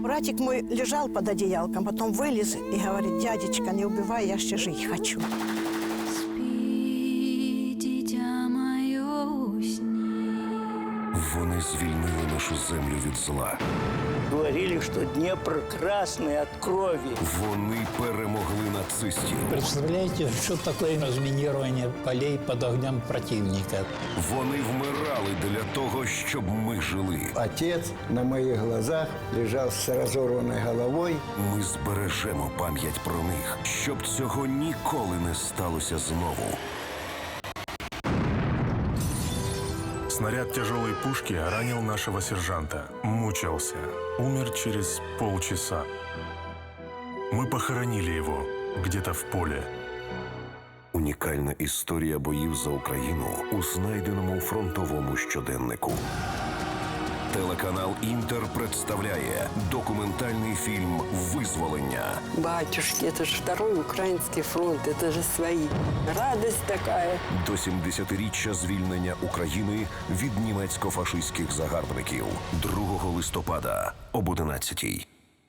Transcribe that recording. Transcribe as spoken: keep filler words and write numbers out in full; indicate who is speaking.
Speaker 1: Братик мой лежал под одеялком, потом вылез и говорит: дядечка, не убивай, я еще жить хочу.
Speaker 2: Спи, дитя моє, усни.
Speaker 3: Вони звільнили нашу землю від зла.
Speaker 4: Говорили, что Днепр красный от крови.
Speaker 3: Вони перемогли нацистів.
Speaker 5: Представляете, что такое разминирование полей под огнем противника?
Speaker 3: Вони вмирали для того, щоб ми жили.
Speaker 6: Отец на моих глазах лежал с разорванной головой.
Speaker 3: Ми збережемо пам'ять про них, щоб цього ніколи не сталося знову.
Speaker 7: Снаряд тяжелой пушки ранил нашего сержанта. Мучился. Умер через полчаса. Мы похоронили его где-то в поле.
Speaker 3: Унікальна історія боїв за Україну у знайденому фронтовому щоденнику. Телеканал «Інтер» представляє документальний фільм «Визволення».
Speaker 8: Батюшки, это же второй украинский фронт, это же свои. Радость такая.
Speaker 3: До сімдесятиріччя звільнення України від німецько-фашистських загарбників. другого листопада об одинадцятій.